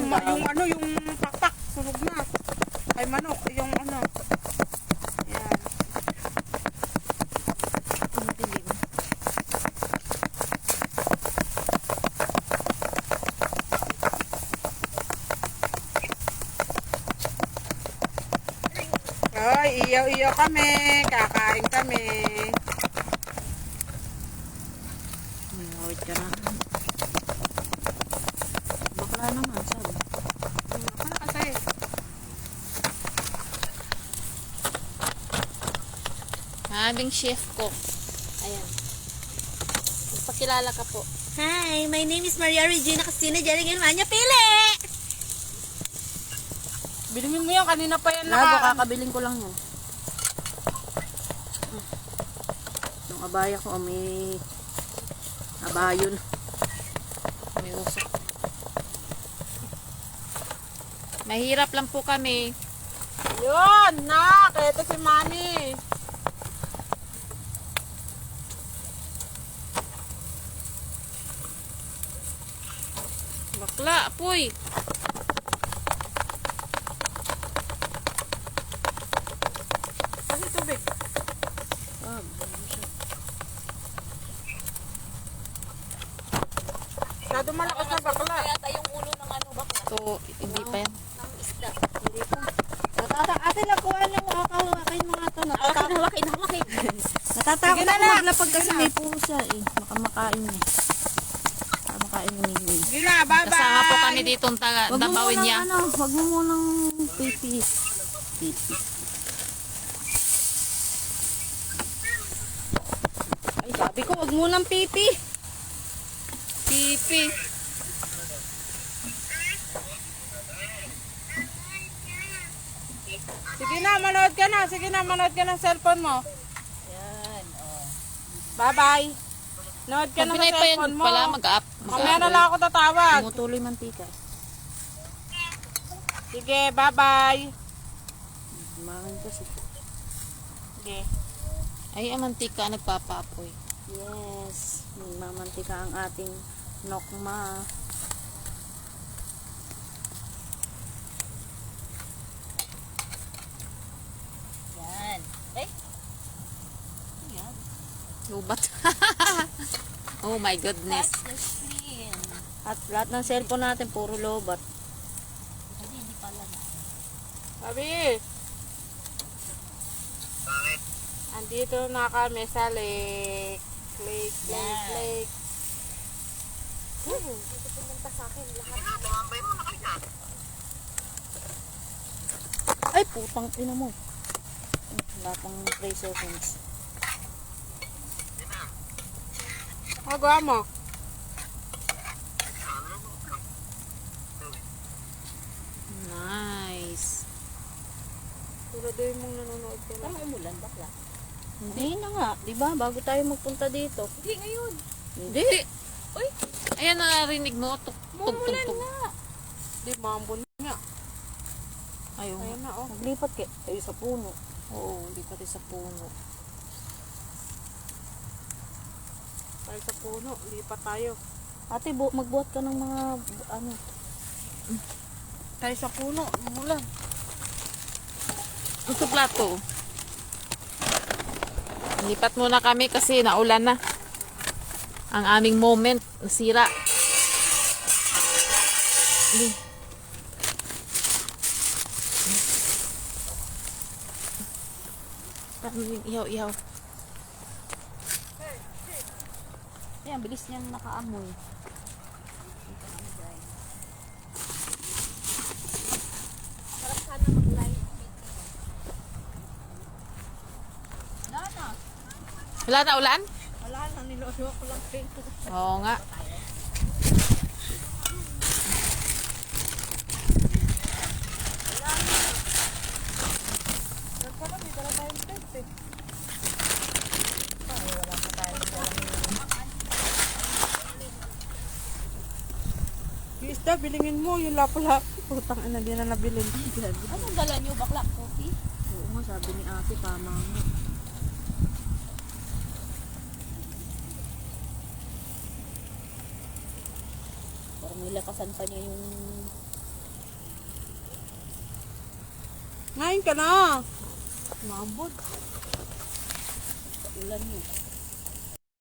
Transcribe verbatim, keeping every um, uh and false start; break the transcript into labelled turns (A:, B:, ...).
A: yung, ma- yung ano, yung pakpak, sunog na. Ay manok, yung ano. Yan. Ay, iyaw-iyaw kami. Kakain kami.
B: Wait ka na. Bakla naman, sabi.
A: Ako na kasi.
B: Aming chef cook. Ayan. Magpakilala ka po.
C: Hi, my name is Maria Regina Castina Jerigan Manya Pili!
A: Bilingin mo yan. Kanina pa yan
B: Labo,
A: naka...
B: kakabiling ko lang yun. Yung abaya ko, may abayon. May usok. Mahirap lang po kami.
A: Yun, nak. Ito si Mami.
B: Bakla, apoy.
A: Kasi tubig.
B: Ah,
A: Masyado malakas na bakla.
C: Yata yung ulo ng ano ba?
B: ito, hindi pa yan.
C: Ng isda.
B: Hindi pa. Natata ate, nakuha lang kakawakin mga ito.
C: Hawakin, hawakin, hawakin.
B: Natatakot
A: Sige na
B: ako
A: lang.
B: maglapag kasi may pusa eh. Baka makain eh. Baka makain ni Mingwing.
A: Sige na, bye-bye.
B: Kasama po kami dito ang taga,
C: Wag mo
B: dabawin
C: munang
B: niya.
C: ano, wag mo munang pipi.
B: Pipi.
C: Ay, sabi ko, wag munang pipi.
B: Pipi.
A: Sige na, manood ka na. Sige na, manood ka ng cellphone mo.
C: Yan, oh.
A: Bye-bye. Manood ka
B: Pag
A: na sa
B: pinay pa yan
A: cellphone mo.
B: pala, mag-up.
A: Mamaya na lang ako tatawag.
B: Tumutuloy mantika.
A: Sige, bye-bye.
B: Kumain kasi.
A: Sige.
B: Ay, ang mantika nagpapaapoy.
C: Yes. Mamantika ang ating nokma. Yan. Eh? Yan.
B: Lubat. Oh my goodness.
C: That's the screen.
B: At lahat ng cellphone natin, puro lobat.
C: Hindi, hindi pala na.
A: Sabi. Andito na kami sa lake. Lake, lake,
C: Yan.
A: lake.
C: Dito pumunta sa akin lahat.
B: Ay, putang ina mo. Wala pang three seconds.
A: Magawa mo.
B: Nice.
A: Siguraduhin mong nanonood ka lang.
C: Parang umulan, bakla.
B: Hindi na nga, di ba? Bago tayo magpunta dito.
C: Hindi, ngayon.
B: Hindi.
C: Uy,
B: Ayan, narinig mo. Tuk, tuk, tuk,
C: umulan
B: tuk.
C: nga.
A: Di, mambon nga.
B: Ayun.
A: Ayan na, oh.
B: Naglipat kayo. Kayo sa puno. Oo, lipat tayo sa puno.
A: Tayo sa puno. Lipat tayo.
B: Ate, bu magbuhat ka ng mga, ano.
A: Tayo sa puno. Umulan.
B: Ito plato. Lipat muna kami kasi naulan na. Ang aming moment, nasira. Hindi. Ihaw, ihaw. Ayan, bilis niyang nakaamoy.
C: Sarap sana mag-live. Wala na.
B: Wala na ulan?
C: Wala na, nilolo ko lang kayo.
B: Oo nga.
A: Nagpala, may dala tayong tent eh. Yung isda, bilingin mo. Yung lapo-lapo. Putang ina, di na nabilin.
C: Anong dala niyo, bakla? Coffee?
B: Oo nga, sabi ni ate, tama nga.
C: Parang nilakasan pa niya yung
A: Ngayon ka na.
C: Mabot. Ulan mo.